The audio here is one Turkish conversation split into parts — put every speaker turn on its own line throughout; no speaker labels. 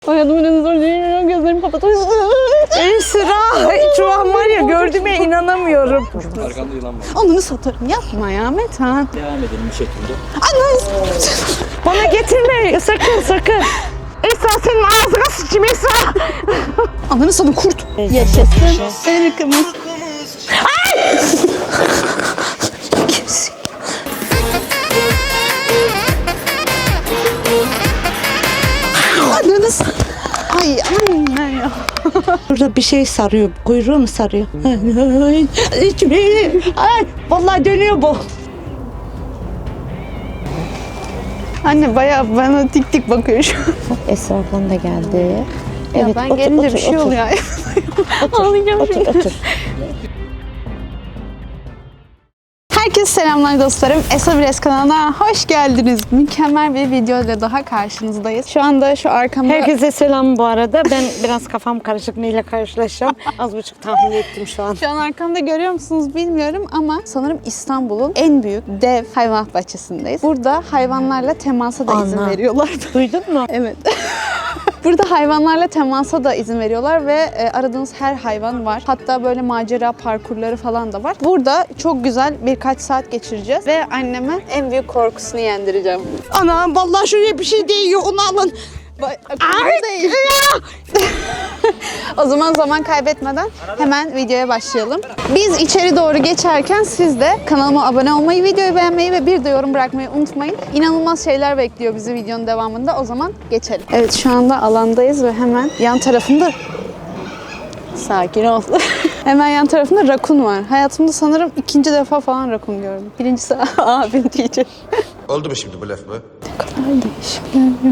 Hayatımın en zor değil. Gözlerimi kapatıyorum.
Esra, şu an var ya gördüğüme inanamıyorum.
Arkanda yılan var.
Ananı satarım. Yapma ya Metan.
Devam edelim bu şekilde.
Ananı
Bana getirme, sakın sakın. Esra senin ağzına sıçayım Esra.
Ananı satın kurt. Yaşasın. Irkımız. Ananı satın. Ay anne ya.
Burada bir şey sarıyor, kuyruğu mu sarıyor? Ay, vallahi dönüyor bu.
Anne bayağı bana tik tik bakıyor şu an.
Esra ablan da geldi.
Ya ben gelince bir şey oluyor. Ağlayacağım şimdi.
Otur.
Herkese selamlar dostlarım. Esabires kanalına hoş geldiniz. Mükemmel bir video ile daha karşınızdayız. Şu anda şu arkamda...
Herkese selam bu arada. Ben biraz kafam karışık, neyle karşılaşacağım. Az buçuk tahmin ettim şu an.
Şu an arkamda görüyor musunuz bilmiyorum ama sanırım İstanbul'un en büyük dev hayvanat bahçesindeyiz. Burada hayvanlarla temasa da izin
Ana.
veriyorlar.
Duydun mu?
Evet. Burada hayvanlarla temasa da izin veriyorlar ve aradığınız her hayvan var. Hatta böyle macera parkurları falan da var. Burada çok güzel birkaç saat geçireceğiz ve anneme en büyük korkusunu yendireceğim.
Ana vallahi şuraya bir şey değiyor, onu alın.
Değil. O zaman kaybetmeden hemen videoya başlayalım. Biz içeri doğru geçerken siz de kanalıma abone olmayı, videoyu beğenmeyi ve bir de yorum bırakmayı unutmayın. İnanılmaz şeyler bekliyor bizi videonun devamında. O zaman geçelim. Evet şu anda alandayız ve hemen yan tarafında... Sakin ol. Hemen yan tarafında rakun var. Hayatımda sanırım ikinci defa falan rakun gördüm. Birincisi abim diyeceğim.
Oldu mu şimdi bu laf mı?
Ay değişikler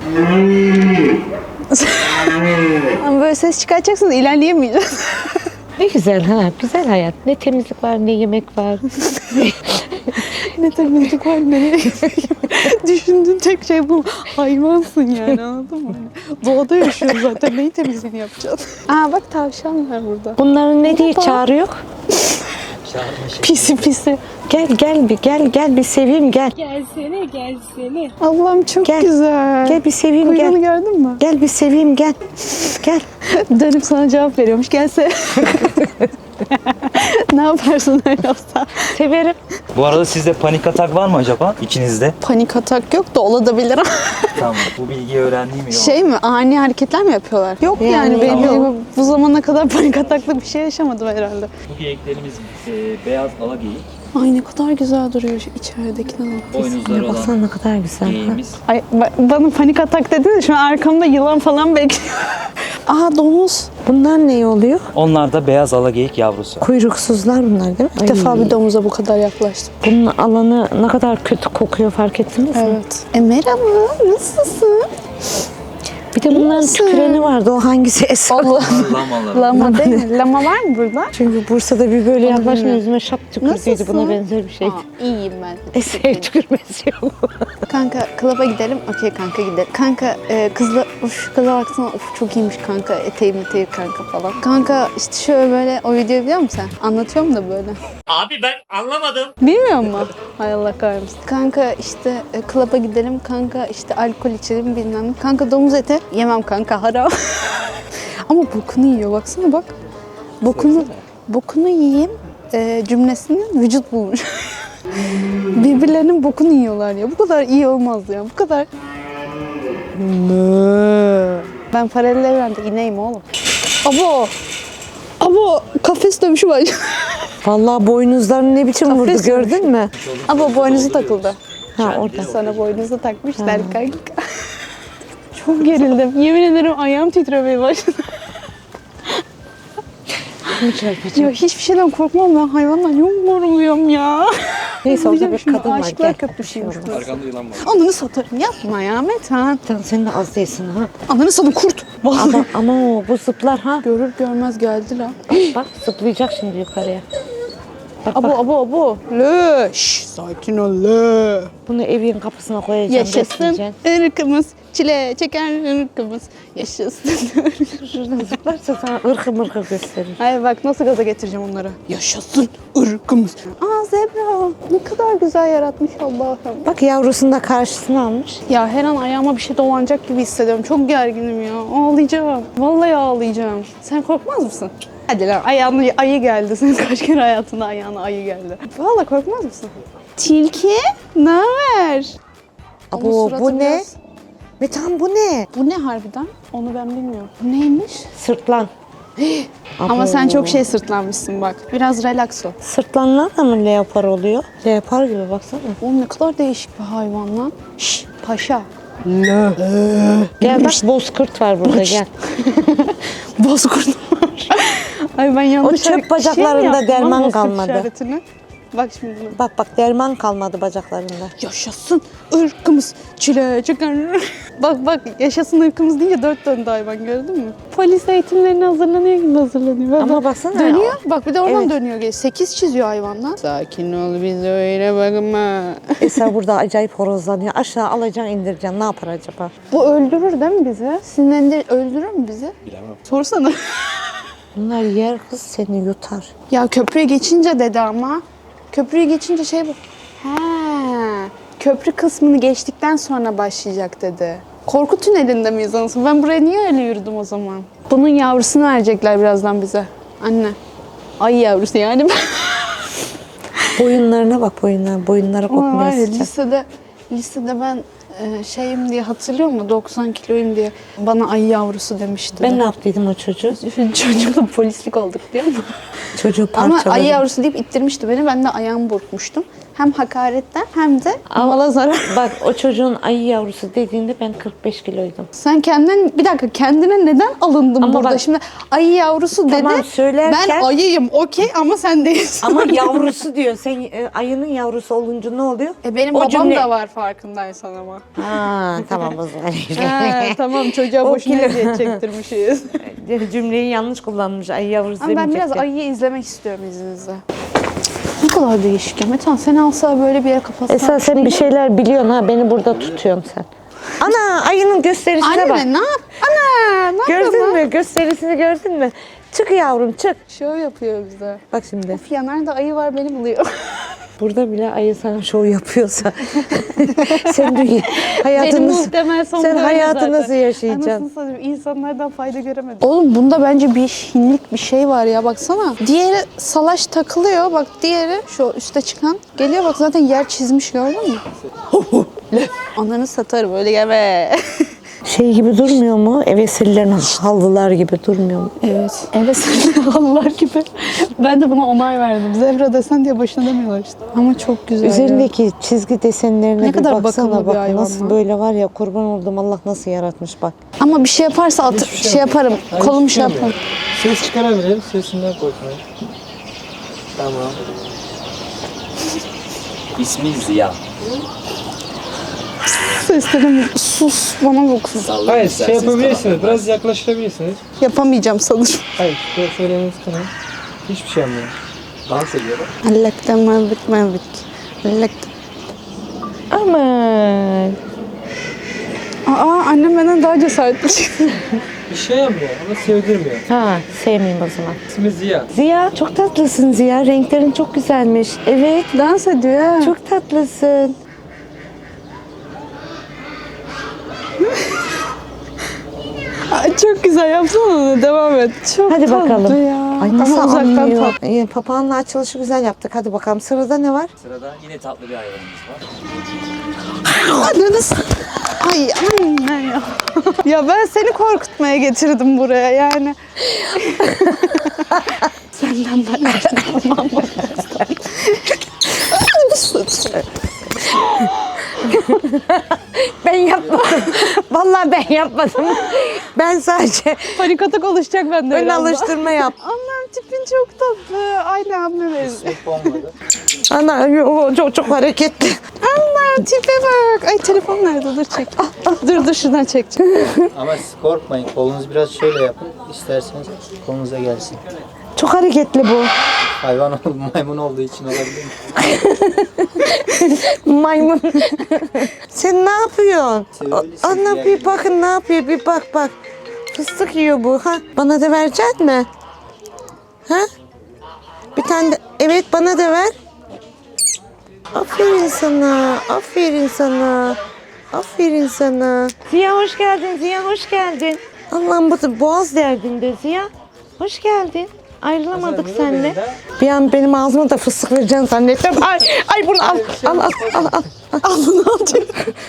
ya. Ama böyle ses çıkartacaksınız ilerleyemeyeceğiz.
Ne güzel ha, güzel hayat. Ne temizlik var, ne yemek var.
Ne temizlik var ne düşündüğün tek şey bu. Hayvansın yani anladın mı? Doğada yaşıyoruz zaten. Neyi temizliğini yapacağız? Aa bak tavşan var burada.
Bunların ne diye çağırıyor?
Pisi pisi.
Gel bir seveyim gel.
Gelsene. Allah'ım çok
Gel.
güzel.
Gel bir seveyim
Kuyruğunu
gel.
gördün mü?
Gel bir seveyim gel. Gel.
Dönüp sana cevap veriyormuş. Gelse. Ne yaparsın öyle olsa?
Severim.
Bu arada sizde panik atak var mı acaba? İçinizde.
Panik atak yok da olabilir.
Tamam. Bu bilgiyi öğrendiğim iyi oldu.
Şey mi? Ani hareketler mi yapıyorlar? Yok yani,
Yani
benim
yok.
bu zamana kadar panik ataklı bir şey yaşamadım herhalde.
Bu geyiklerimiz beyaz ala geyik.
Ay ne kadar güzel duruyor şu içeridekine bak.
Boynuzları
Baksana
olan
ne kadar güzel.
geyiğimiz.
Ay bana panik atak dedin de şu an arkamda yılan falan bekliyor. Aa domuz.
Bunlar ne oluyor?
Onlar da beyaz ala geyik yavrusu.
Kuyruksuzlar bunlar değil mi?
İlk defa bir domuza bu kadar yaklaştım.
Bunun alanı ne kadar kötü kokuyor fark ettiniz mi?
Evet. Merhaba nasılsın?
Bir de bunların
Nasıl?
tüküreni vardı. O hangisi Esra?
Allah.
Lamaları.
Lama değil mi? Lama var mı burada?
Çünkü Bursa'da bir böyle yaklaşma
bilmiyorum.
yüzüme şap tükürdüydü.
Nasılsın?
Buna benzer bir şeydi.
İyiyim ben.
Esra'ya tükürmesi yok.
Kanka klaba gidelim. Okey kanka gidelim. Kanka kızla şu kıza baksana. Of çok iyiymiş kanka. Eteği kanka falan. Kanka işte şöyle böyle o videoyu biliyor musun sen? Anlatıyorum da böyle.
Abi ben anlamadım.
Bilmiyor musun? Hay Allah kahretsin. Kanka işte klaba gidelim. Kanka işte alkol içelim bilmem ne. Kanka domuz eti. Yemem kanka haram. Ama bokunu yiyor baksana bak. Bokunu yiyeyim cümlesini vücut bulmuş. Birbirlerinin bokunu yiyorlar ya. Bu kadar iyi olmaz ya. Bu kadar. Ben paralel evrende ineyim oğlum. Abo kafes dövüşü var.
Vallahi boynuzlarını ne biçim vurdu
Kafes
gördün mü?
Abo boynuzu takıldı.
Ha orada.
Sana boynuzu takmışlar kanka. Çok gerildim. Yemin ederim ayağım titremeye başladı. Ya hiçbir şeyden korkmam ben hayvandan yok korkuyorum ya.
Neyse orada bir
Şimdi
kadın var.
aşıklar
Gel.
köprüsüymüş burası.
Arkanda yılan var.
Ananı satarım yapma ya Metan.
Sen senin de az değilsin ha.
Ananı satın kurt. Vallahi.
Ama o bu zıplar ha.
Görür görmez geldi lan.
Bak zıplayacak şimdi yukarıya. Bak bak.
Abo. Le. Şşş sakin ol le.
Bunu evin kapısına koyacaksın.
Yaşasın
besleyeceksin.
ırkımız. Çile çeker ırkımız. Yaşasın.
Şuradan zıplarsa sana ırkı mırkı gösterir.
Hayır bak nasıl gaza getireceğim onları. Yaşasın ırkımız. Aa zebra. Ne kadar güzel yaratmış Allah'ım.
Bak yavrusunu da karşısına almış.
Ya her an ayağıma bir şey dolanacak gibi hissediyorum. Çok gerginim ya. Ağlayacağım. Vallahi ağlayacağım. Sen korkmaz mısın? Hadi lan ayağına ayı geldi. Senin kaç kere hayatında ayağına ayı geldi. Vallahi korkmaz mısın? Tilki, ne haber? Onun
Abo
suratı
bu ne?
biraz-
Metan bu ne?
Bu ne harbiden? Onu ben bilmiyorum. Bu neymiş?
Sırtlan.
Ama sen çok şey sırtlanmışsın bak. Biraz relax ol.
Sırtlanlar da mı leopar oluyor? Leopar gibi baksana.
Oğlum ne kadar değişik bir hayvan lan. Şşş paşa.
Gel bak bozkurt var burada gel.
Bozkurt var. Ay ben yanlış
çöp
şey mi
bacaklarında
yaptım lan
derman
bozkurt
kalmadı.
işaretini? Bak şimdi.
Bak derman kalmadı bacaklarında.
Yaşasın ırkımız çile çeker. Bak yaşasın ırkımız deyince dört döndü hayvan gördün mü? Polis eğitimlerine hazırlanıyor gibi hazırlanıyor.
Ama baksana.
Dönüyor. Bak bir de oradan
Evet.
dönüyor. 8 çiziyor hayvandan. Sakin ol bize öyle bakma.
Esra burada acayip horozlanıyor. Aşağı alacaksın indireceksin. Ne yapar acaba?
Bu öldürür değil mi bizi? Sinirlendir öldürür mü bizi? Bilemem. Sorsana.
Bunlar yer kız seni yutar.
Ya köprüye geçince dedi ama. Köprüye geçince şey bu. He. Köprü kısmını geçtikten sonra başlayacak dedi. Korku tünelinde miyiz anasını? Ben buraya niye öyle yürüdüm o zaman? Bunun yavrusunu verecekler birazdan bize. Anne. Ay yavrusu yani.
Boyunlarına bak boyunları
Ama var
kopmuyor
ya,
sıcak.
lisede ben şeyim diye hatırlıyor musun? 90 kiloyum diye bana ay yavrusu demişti.
Ben ne yaptıydım o çocuğu?
Çocukla polislik olduk diyor mu?
Çocuğu
Ama
parçaladım.
ayı yavrusu deyip ittirmişti beni. Ben de ayağımı burkmuştum. Hem hakaretten hem de mala zarar.
Bak o çocuğun ayı yavrusu dediğinde ben 45 kiloydum.
Sen kendine neden alındın
Ama
burada?
bak-
Şimdi ayı yavrusu
Tamam,
dedi.
söylerken-
Ben ayıyım okey ama sen değilsin.
Ama yavrusu diyor. Sen ayının yavrusu olunca ne oluyor?
Benim
O
babam
cümle-
da var farkındaysan ama.
Ha tamam o zaman.
Tamam çocuğa
O
boşuna
kilo-
eziyet çektirmişiz.
Cümleyi yanlış kullanmış. Ayı yavrusu
Ama ben biraz
demeyecekti.
ayıyı izlemek istiyorum izninizle. Ne kadar değişik ya. Metan seni alsa böyle bir yere kapatsa.
Esra sen bir şeyler biliyorsun ha. Beni burada tutuyorsun sen. Ana ayının gösterisine bak.
Anne ne yap? Ana ne yapıyorsun
Gördün
lan?
mü? Gösterisini gördün mü? Çık yavrum çık.
Şov yapıyor bize.
Bak şimdi.
Of ya nerede ayı var beni buluyor.
Burada bile ayı sana şov yapıyorsa sen dünya
Benim
hayatını
muhtemel son
sen
böyle
hayatı
zaten.
nasıl yaşayacaksın?
Anasını satayım insanlardan fayda göremedim. Oğlum bunda bence bir hinlik bir şey var ya baksana. Diğeri salaş takılıyor bak diğeri şu üste çıkan geliyor bak zaten yer çizmiş gördün mü? Ananı satarım öyle gelme.
Şey gibi durmuyor mu? Ev esirlerin halılar gibi durmuyor mu?
Evet. Evet halılar gibi. Ben de buna onay verdim. Zebra desen diye başına demiyorlar işte. Ama çok güzel ya.
Üzerindeki çizgi desenlerine
Ne
bir
kadar
baksana
bakımlı bir
bak
hayvan
nasıl
lan.
böyle var ya kurban oldum Allah nasıl yaratmış bak.
Ama bir şey yaparsa şey yaparım. Kolum şey yaparım.
Ses çıkarabilirim. Sesinden korkmayın. Tamam.
İsmi Ziya.
Seslerim sus bana bakın.
Hayır şey yapabilirsiniz. Biraz yaklaştırabilirsiniz.
Yapamayacağım sanırım.
Hayır. Böyle söylemeniz kanal. Hiçbir şey anlamıyorum.
Dans ediyor.
Allaktan mevbik. Allaktan.
Aman.
Annem benden daha cesaretli.
Bir şey yapmıyor ama sevdirmiyor.
Ha sevmeyeyim o zaman.
İsmi Ziya.
Ziya çok tatlısın Ziya. Renklerin çok güzelmiş. Evet
Dans ediyor ha.
çok tatlısın.
Ay, çok güzel yapsana onu. Devam et. Çok
Hadi
tatlı
bakalım.
ya.
Ay nasıl
Ama uzaktan
anlıyor?
tatlı.
Papağanla açılışı güzel yaptık. Hadi bakalım sırada ne var?
Sırada yine tatlı bir hayvanımız var.
Ananı Ay anne ya. Ya ben seni korkutmaya getirdim buraya yani. Senden ben tamam mı?
Ben yapmadım. Vallahi ben yapmadım. Ben sadece
Panik atak oluşacak bende
ön
birazdan.
alıştırma yaptım.
Annem tipin çok tatlı. Aynı abime benziyor.
Olmadı.
Ana o çok hareketli.
Allah tipe bak. Ay telefon nerede? Dur çek. Dur şuradan çekeceğim.
Ama siz korkmayın. Kolunuzu biraz şöyle yapın. İsterseniz kolunuza gelsin.
Çok hareketli bu.
Hayvan maymun olduğu için olabilir mi?
Maymun. Sen ne yapıyorsun?
Sevgilisi
Ana
diğer
bir bakın ne yapıyor bir bak. Fıstık yiyor bu. Ha? Bana da verecek mi? Ha? Bir tane de, evet bana da ver. Aferin sana, aferin sana. Aferin sana. Ziya hoş geldin, Ziya hoş geldin. Allah'ım bu boğaz derdinde Ziya. Hoş geldin. Ayrılamadık seninle. Bir an benim ağzıma da fıstık vereceksin zannettim. Ay bunu al. Al bunu al diyor.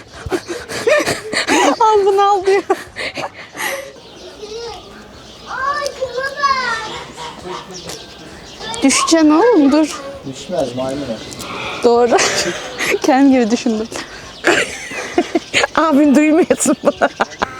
Al bunu al diyor.
Düşeceksin oğlum dur.
Düşmez maymun.
Doğru. Kendim gibi düşündüm.
Abin duymuyorsun bunu.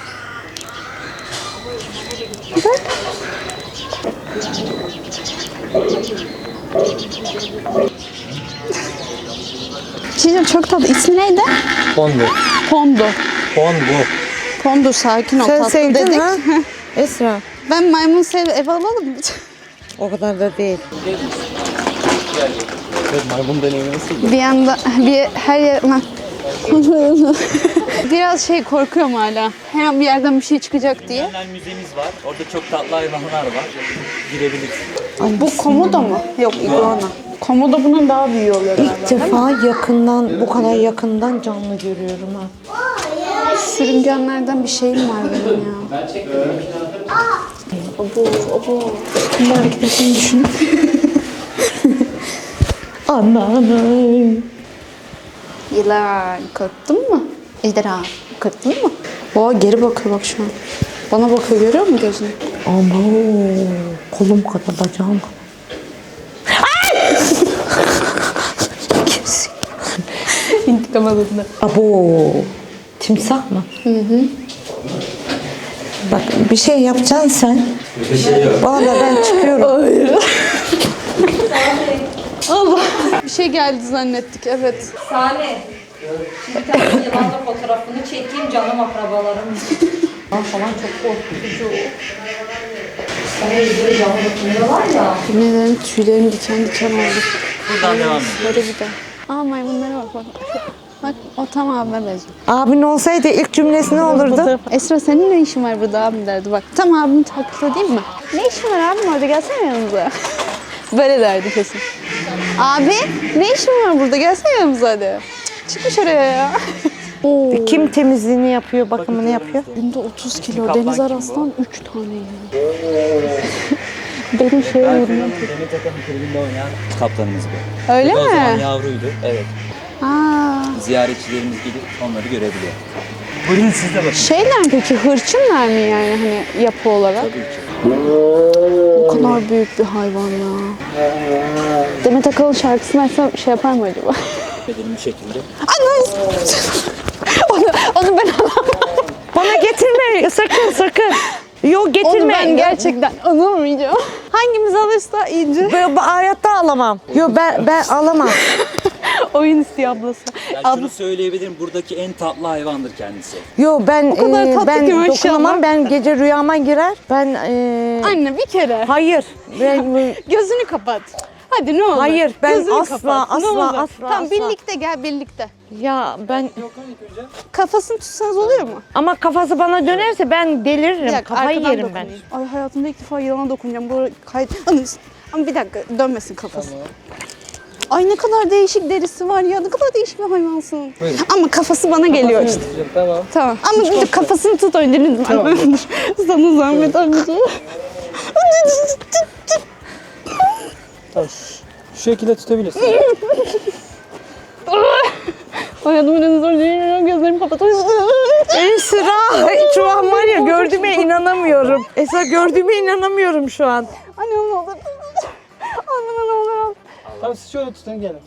Çiğdem çok tatlı. İsmi neydi?
Pondo.
Pondo.
Pondo.
Pondo sakin ol.
Sen
tatlı
sevdin
dedik.
ha? Esra.
Ben maymun eve alalım mı?
O kadar da değil.
Evet, maymun deneyimi nasıl?
Bir anda her yer... Lan. Biraz korkuyorum hala. Her an bir yerden bir şey çıkacak diye.
Genel müzemiz var. Orada çok tatlı hayvanlar var. Girebilirsin.
Bu komodo mu? Yok iguana. Komodo bunun daha büyüğü oluyor galiba.
İlk defa yakından, bu kadar yakından canlı görüyorum ha.
Sürüngenlerden bir şeyim var benim ya. Abo. Bunun hareketini düşün.
Anam.
Yılan korktun mu? Ejderha korktun mu? Oha geri bakıyor bak şu an. Bana bakıyor görüyor musun gözünü?
Ama kolum kadar, bacağım kadar.
İntikam alındı.
Abo. Timsah mı? Hı. Bak bir şey yapacaksın sen. Vallahi ben çıkıyorum.
Hayır. Allah. Bir şey geldi zannettik evet.
Salih, şimdi bir tane yılanla fotoğrafını çekeyim canım akrabalarım. Falan çok korkutucu. Sana böyle canlı dokunuyorlar ya.
Yemin tüylerim diken diken oldu.
Buradan devam edelim.
Böyle bir de. Aa maymunlara bak. Bak o tam abime benziyor.
Abin olsaydı ilk cümlesi ne olurdu?
Esra senin ne işin var burada abim derdi bak. Tam abimi taklit edeyim mi? Ne işin var abim orada gelsene yanımıza. Böyle derdi kesin. Abi ne işin var burada gelsene yanımıza hadi. Çıkmış oraya ya. Oo.
Kim temizliğini yapıyor, bakımını yapıyor?
Günde 30 kilo Deniz Araslan 3 tane yiyor. Benim şey yorumum.
Demet Akalın kulübünde oynayan kaptanımız bu.
Öyle
O zaman
mi?
yavruydu. Evet.
Aa.
Ziyaretçilerimiz gidip onları görebiliyor. Buyurun siz de bakın.
Şeyler peki hırçınlar mı yani hani yapı olarak?
Tabii ki.
O kadar büyük bir hayvan ya. Demet Akalın şarkısını açsam şey yapar mı acaba?
Bedenim bir şekilde.
onu ben alamam.
Bana getirme, sakın. Yok getirme.
Onu ben gerçekten alamayacağım. Hangimiz alırsa iyice.
Ben hayatta alamam. Yok ben alamam.
Oyun istiyor ablası.
Yani şunu söyleyebilirim. Buradaki en tatlı hayvandır kendisi.
Yok ben
kadar tatlı
ben
ki maşallah.
dokunamam. Ben gece rüyama girer. Ben
Anne bir kere.
hayır. Ben
Gözünü kapat. Hadi ne olur.
Hayır, ben
Gözünü
asla,
kapat. Ne
asla,
olur.
asla,
Tamam
asla.
birlikte gel birlikte.
ya ben
Kafasını tutsanız oluyor mu?
ama kafası bana dönerse ben deliririm.
Bir dakika,
Kafayı
arkadan
yerim ben.
dokunayım. Ay hayatımda ilk defa yılana dokunacağım. Bu kayıt. Ama bir dakika dönmesin kafası. Ay ne kadar değişik derisi var ya. Ne kadar değişik bir hayvansın.
Buyurun.
Ama kafası bana geliyor işte.
Tamam.
Tamam. Ama bir de kafasını tut önce lütfen.
Tamam.
Sana zahmet anneciğim.
Tamam. Şu şekilde tutabilirsin.
Hayatımın en zor değil. Gözlerimi kapatıyorum.
Esra şu an var ya gördüğüme inanamıyorum. Esra gördüğüme inanamıyorum şu an.
Anne ne olur. Anne ne olur.
Tamam siz şöyle tutun gelin.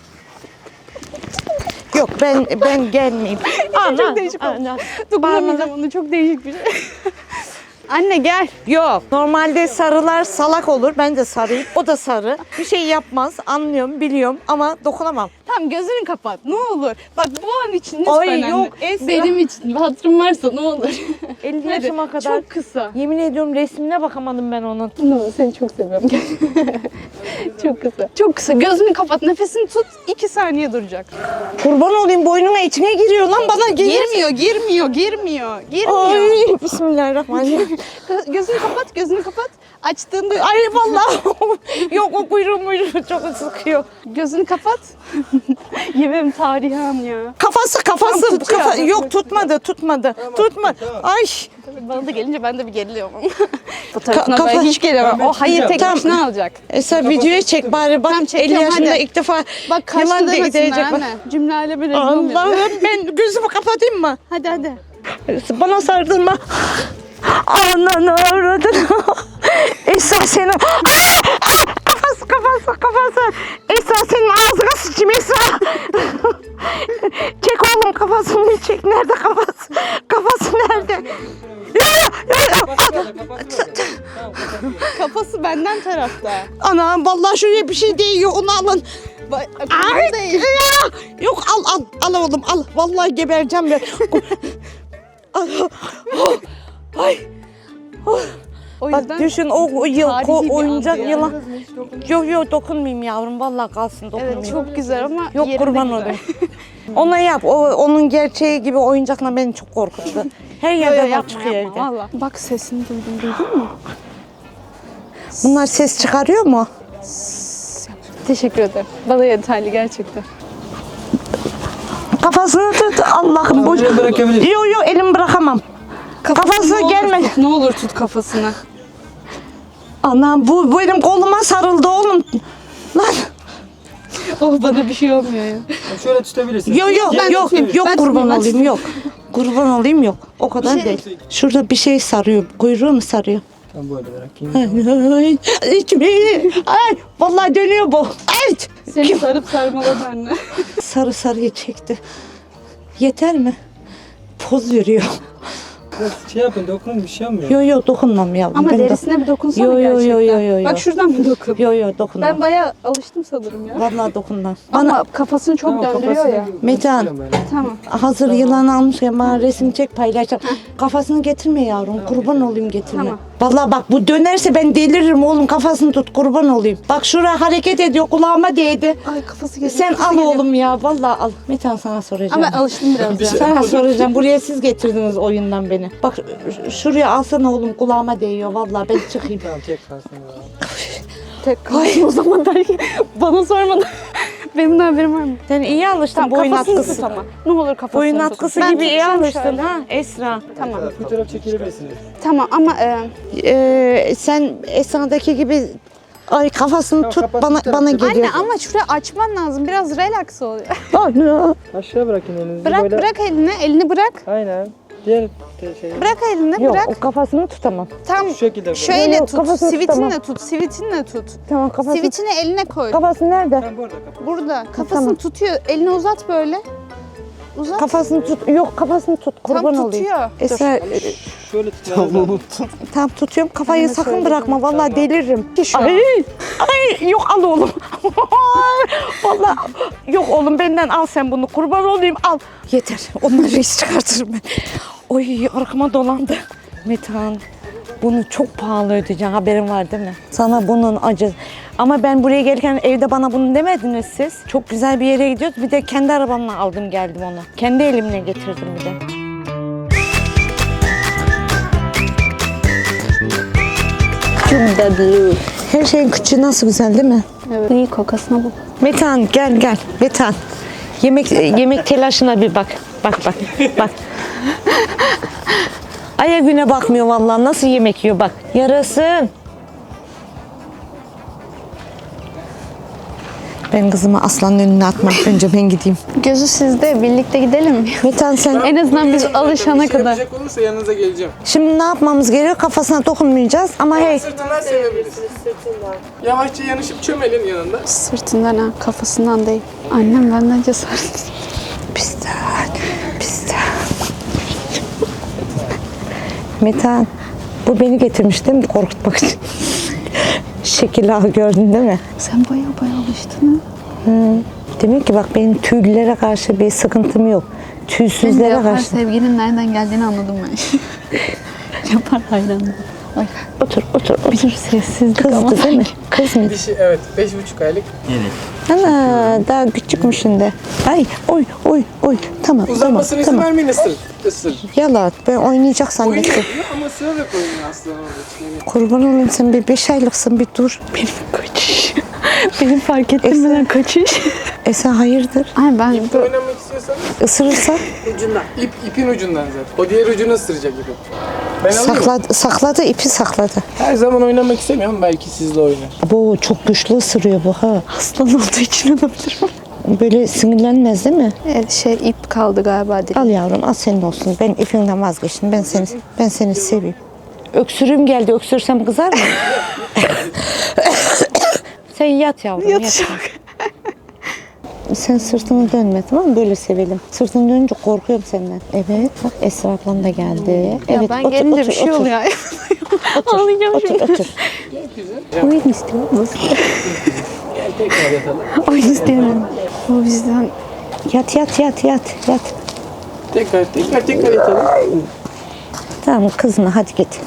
Yok ben gelmeyeyim.
Çok değişik oldu. Dokunamayacağım onu. Çok değişik bir şey. Anne gel.
Yok. Normalde sarılar salak olur. Ben de sarıyım. O da sarı. Bir şey yapmaz. Anlıyorum, biliyorum ama dokunamam.
Tamam gözünü kapat ne olur. Bak bu an için lütfen
Ay,
anne.
yok, Esra.
Benim için hatırım varsa ne olur.
50
Hadi,
yaşıma kadar.
Çok kısa.
Yemin ediyorum resmine bakamadım ben onun.
Ne olur seni çok seviyorum. Çok kısa. Çok kısa. Gözünü kapat. Nefesini tut. 2 saniye duracak.
Kurban olayım boynuma içine giriyor lan bana geliyor.
Girmiyor.
Ay bismillahirrahmanirrahim.
Gözünü kapat. Açtığında
Ay vallahi yok o kuyruğu çok sıkıyor.
gözünü kapat. Yemeğim tarihi an ya.
Kafası yok tutmadı. Ay
Bana da gelince ben de bir geriliyorum. Fotoğrafına
Kafa-
ben hiç gelemem. O hayır tek
Tamam.
başına alacak.
Sen videoya çek bari bak.
Tamam,
50
çekiyorum,
yaşında
hadi.
ilk defa
Bak kaçtı
yılan
demesinler
değecek. Bak.
anne. Cümleyle bir rezil olmuyor.
Allah'ım ben gözümü kapatayım mı?
Hadi hadi.
Bana sardırma. Ananı avradını. Esra senin. Kafası. Esra senin ağzına sıçayım Esra. Çek oğlum kafasını bir çek. Nerede kafası? Kafası nerede?
Kafası benden tarafta.
Anam vallahi şuraya bir şey değiyor onu alın. Ay,
değil.
ya. Yok al oğlum al. Vallahi gebereceğim ben. Ay.
O
Bak
yüzden
düşün o
tarihi bir
oyuncak
andı yani.
yılan. Yok dokunmayayım yavrum vallahi kalsın dokunmayayım.
evet çok güzel ama
Yok
yerinde
kurban
güzel.
olayım. Ona yap. Onun gerçeği gibi oyuncakla beni çok korkuttu. Her
Yo,
yerde var
yapma,
çıkıyor
yapma,
evde.
valla. Bak sesini duydun mu?
Bunlar ses çıkarıyor mu?
Teşekkür ederim. Bana yeterli gerçekten.
Kafasını tut Allah'ım boş.
buraya bırakabilirsin.
Yok elimi bırakamam. Kafası
ne olur
gelme.
tut, ne olur tut kafasını.
Anam bu benim koluma sarıldı oğlum. Lan.
Oh bana bir şey olmuyor ya.
Şöyle tutabilirsin.
Yok
Ben tutayım, ben
kurban
tutayım, ben
olayım yok. Kurban olayım yok. O kadar değil. Şurada bir şey sarıyor. Kuyruğu mu sarıyor?
Ben böyle bırakayım.
Ay, ay, vallahi dönüyor bu. Ay.
Seni sarıp sarmaladı anne.
Sarıyı çekti. Yeter mi? Poz veriyor.
Biraz şey yapın dokunun bir şey olmuyor.
Yok dokunmam yavrum.
Ama
Ben
derisine bir dokunsana
Yo, yo, yo,
gerçekten.
yo, yo, yo.
Bak şuradan bir dokun.
Yok dokunmam.
Ben bayağı alıştım sanırım ya.
Vallahi dokunmam.
Ama kafasını çok döndürüyor ya.
Metehan.
Tamam.
Hazır yılan almışken bana resim çek paylaşacağım. Kafasını getirme yavrum. Kurban olayım getirme.
Tamam.
Vallahi bak bu dönerse ben deliririm oğlum. Kafasını tut kurban olayım. Bak şuraya hareket ediyor kulağıma değdi.
Ay kafası geliyor.
Sen
kafası
al
geliyor.
oğlum ya. Vallahi al. Metehan sana soracağım.
Ama alıştım biraz ya.
Sana soracağım. Buraya siz getirdiniz oyundan beni. Bak şuraya alsana oğlum kulağıma değiyor. Vallahi ben çıkayım.
Tamam tek kalsın ya.
Tek kalsın o zaman belki. Bana sormadan. Benim de haberim var mı?
Sen iyi alıştın
Tamam,
boyun
kafasını
atkısı.
tut ama. Ne olur kafasını
Boyun
tut.
atkısı
Ben
gibi iyi
tutacağım
alıştın
şöyle.
ha Esra.
Tamam.
Fotoğraf çekilebilirsiniz.
Tamam ama
Sen Esra'daki gibi ay kafasını
Tamam,
tut
kafasını
bana
tut.
geliyor.
anne ama şuraya açman lazım. Biraz relax ol.
Anne.
Aşağı bırakın elinizi.
Bırak
böyle.
bırak elini. Elini bırak.
Aynen. Diğer şey.
Bırak elini
Yok
bırak.
o kafasını tutamam.
Tam
Şu şekilde böyle.
şöyle
Yok,
tut.
kafasını
Sivitinle
tutamam.
tut. Sivitinle tut.
Tamam kafasını.
Sivitini eline koy.
Kafası nerede?
Ben burada kapat.
Burada. Kafasını
Tamam.
tutuyor. Elini uzat böyle. Uzat.
Kafasını tut. Yok kafasını tut. Kurban
Tam
olayım.
tutuyor.
Esra
Şöyle tutuyorum.
tam tutuyorum. Kafayı
Elime
sakın
söyledim.
bırakma. Vallahi deliririm.
Şu an.
Ay yok al oğlum. Vallahi yok oğlum benden al sen bunu. Kurban olayım al. Yeter. Onları reis çıkartırım ben. Oy arkama dolandı. Metehan bunu çok pahalı ödeyeceksin haberin var değil mi? Sana bunun acı. Ama ben buraya gelirken evde bana bunu demediniz siz. Çok güzel bir yere gidiyoruz. Bir de kendi arabamla aldım geldim onu. Kendi elimle getirdim bir de.
Çok tatlı.
Her şeyin küçüğü nasıl güzel değil mi?
Evet. İyi kokasına bu.
Metehan gel Metehan. Yemek telaşına bir bak. Bak. Aya güne bakmıyor vallahi nasıl yemek yiyor bak. Yarasın. Ben kızımı aslanın önüne atmam. Önce ben gideyim.
Gözü sizde. Birlikte gidelim.
Metehan sen
En azından biz alışana kadar.
Yapacak olursa yanınıza geleceğim.
şimdi ne yapmamız gerekiyor? Kafasına dokunmayacağız ama hey.
Sırtından sevebiliriz. Yavaşça yanışıp çömelin yanında.
Sırtından ha, kafasından değil. Annem benden cesaret.
Pistan. Metehan bu beni getirmiş değil mi korkutmak için? Şekil ağı gördün değil mi?
Sen baya alıştın ha.
Demek ki bak benim tüylülere karşı bir sıkıntım yok.
Senin de
Tüysüzlere
yapar
karşı.
sevginin nereden geldiğini anladım ben. Yapar hayranım. Ay
Otur.
bir sessizlik ama.
Kızdı değil mi? Kız mıydı?
Dişi evet 5,5 aylık.
Evet.
Ana daha küçükmüşün de. Ay oy. Tamam
Uzanmasına izin
tamam.
vermeyin ısır. Isır.
Yalan ben oynayacak zannettim.
Oynuyor ama ısırarak oynuyor aslında orada. Yani
Kurban olayım sen bir 5 aylıksın bir dur.
Benim kaçış. Benim fark ettirmeden kaçış.
Sen hayırdır?
Ay ben
oynamak istiyorsanız
Isırırsa
ipin ucundan zaten. O diğer ucunu ısıracak ipi. Ben alayım mı?
sakladı ipi sakladı.
Her zaman oynamak istemiyorum. Belki sizle oynar.
Bu çok güçlü ısırıyor bu ha.
aslan olduğu için olabilir mi?
Böyle sinirlenmez değil mi?
İp kaldı galiba dilim.
Al yavrum al senin olsun. Ben ipinden vazgeçtim. Ben seni seveyim. Öksürüğüm geldi. Öksürsem kızar mı? Sen yat yavrum. Yat. Sen sırtını dönme tamam mı? Böyle sevelim. Sırtını dönünce korkuyorum senden. Evet bak Esra ablam da geldi. Evet
Ben gelince bir şey oluyor. Ağlayacağım şimdi.
Otur.
Oyun istiyor musun?
Gel tekrar yatalım.
Oyun isteyemem. O bizden.
Yat.
Tekrar yatalım.
Tamam kızma hadi git.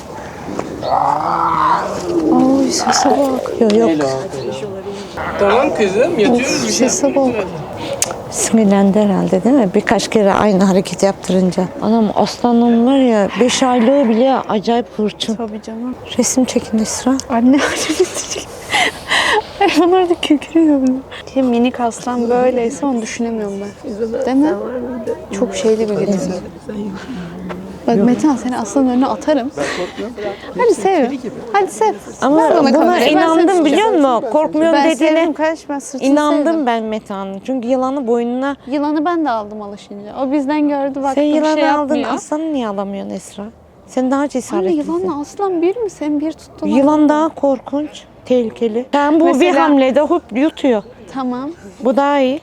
Oy sese bak.
Yok.
Tamam kızım yatıyoruz bir şey.
Sese bak.
Sinirlendi herhalde değil mi? Birkaç kere aynı hareket yaptırınca. Anam aslanım var ya 5 aylığı bile acayip hırçın.
Tabii canım.
Resim çekin Esra.
Anne isteyecek. Hayvanlar da kükürüyor bunu. Minik aslan böyleyse onu düşünemiyorum ben. Değil mi? Çok şeyli bir birisi. Bak Metehan seni aslanın önüne atarım. Hadi sev. Hadi sev.
Ama
Ver bana
buna
kamerayı, ben
inandım
seni
biliyor
tutacağım.
musun? Korkmuyorum
Ben
dediğine
sevdim kardeş, ben sırtını
inandım
sevdim.
ben Metehan'ın. Çünkü yılanı boynuna...
Yılanı ben de aldım alışınca. O bizden gördü baktı
Sen
bir
yılanı
şey
aldın,
yapmıyor.
aslanı niye alamıyorsun Esra? Sen daha
Anne
cesaretlisin.
yılanla aslan bir mi? Sen bir tuttun.
Yılan daha korkunç, tehlikeli. Sen bu bir
Mesela-
hamlede hop yutuyor.
Tamam.
Bu daha iyi.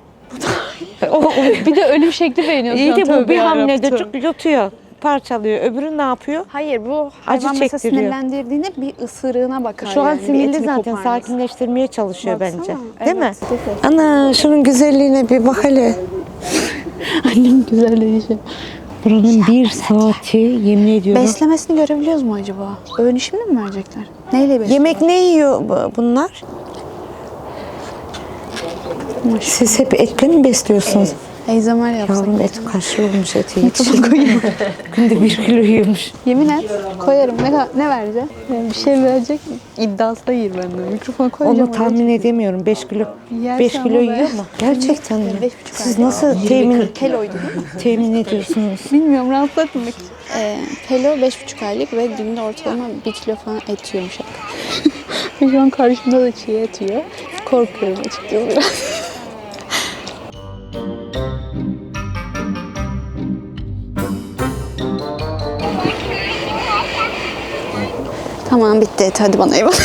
Bir de ölüm şekli beğeniyorsun.
İyi de bu
Tövbe
bir
yarabbim.
hamlede çok yutuyor. Parçalıyor. Öbürü ne yapıyor?
Hayır bu
Acı
hayvan mesela
çektiriyor.
sinirlendirdiğinde bir ısırığına bakar.
Şu an
yani, bir
sinirli
etini
zaten
koparmaz.
sakinleştirmeye çalışıyor
Baksana,
bence.
evet.
Değil mi? Ana şunun güzelliğine bir bak hele.
Annem güzelleşiyor.
Buranın bir saati yemin ediyorum.
Beslemesini görebiliyoruz mu acaba? Öğün şimdi mi verecekler? Neyle besliyor?
Yemek ne yiyor bunlar? Siz hep etle mi besliyorsunuz?
Eyzamer yapsak.
Yavrum et kaşlı olmuş eti yetişiyor. Günde 1 kilo yiyormuş.
Yemin et koyarım. Ne verecek? Yani bir şey verecek mi? İddiası da yer benden. Mikrofona koyacağım.
Onu tahmin edemiyorum. 5 kilo
Yerse
5 kilo
ama
yiyor
be.
mu? Gerçekten mi?
5,5
Siz
ay.
nasıl temin
Pelo'ydu değil mi?
temin ediyorsunuz?
Bilmiyorum rahatsız etmemek için. Pelo 5,5 aylık ve günde ortalama 1 kilo falan et yiyormuş hep. Ve şu an karşımda da çiğ et yiyor. Korkuyorum açıkçası biraz. Tamam bitti et, hadi bana eyvallah.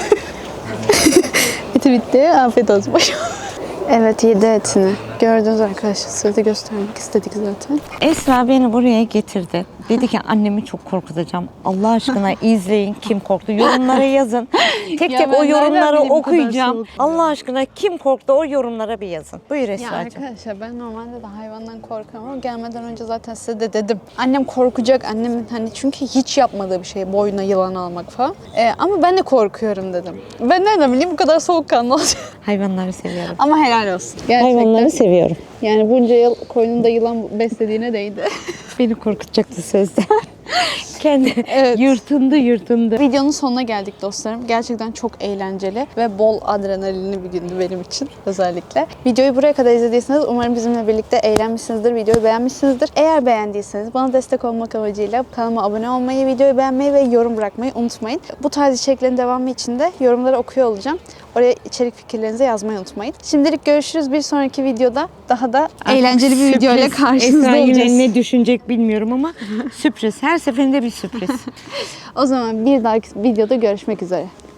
Eti bitti, afiyet olsun başım. Evet yedi etini. Gördünüz arkadaşlar, size de göstermek istedik zaten.
Esra beni buraya getirdi. Dedi ki annemi çok korkutacağım. Allah aşkına izleyin kim korktu. Yorumlara yazın. Tek
Ya
tek
ben
o
nereden
yorumları
bileyim bu kadar
okuyacağım.
soğuk?
Allah aşkına kim korktu o yorumlara bir yazın. Buyur
Ya
Esra'cığım.
arkadaşlar ben normalde de hayvandan korkarım ama gelmeden önce zaten size de dedim. Annem korkacak, annemin hani çünkü hiç yapmadığı bir şey boynuna yılan almak falan. Ama ben de korkuyorum dedim. Ben nereden bileyim bu kadar soğukkanlı olacak.
Hayvanları seviyorum.
Ama helal olsun. Gerçekten.
Hayvanları seviyorum.
Yani bunca yıl koynunda yılan beslediğine değdi.
Beni korkutacaktı sözde. Kendi
Evet.
yırtındı.
Videonun sonuna geldik dostlarım. Gerçekten çok eğlenceli ve bol adrenalinli bir gündü benim için özellikle. Videoyu buraya kadar izlediyseniz umarım bizimle birlikte eğlenmişsinizdir, videoyu beğenmişsinizdir. Eğer beğendiyseniz bana destek olmak amacıyla kanalıma abone olmayı, videoyu beğenmeyi ve yorum bırakmayı unutmayın. Bu tarz içeriklerin devamı için de yorumları okuyor olacağım. Oraya içerik fikirlerinizi yazmayı unutmayın. Şimdilik görüşürüz. Bir sonraki videoda daha da eğlenceli bir video ile karşınızda
Esra
olacağız.
yine ne düşünecek bilmiyorum ama sürpriz. Her seferinde bir sürpriz.
O zaman bir dahaki videoda görüşmek üzere.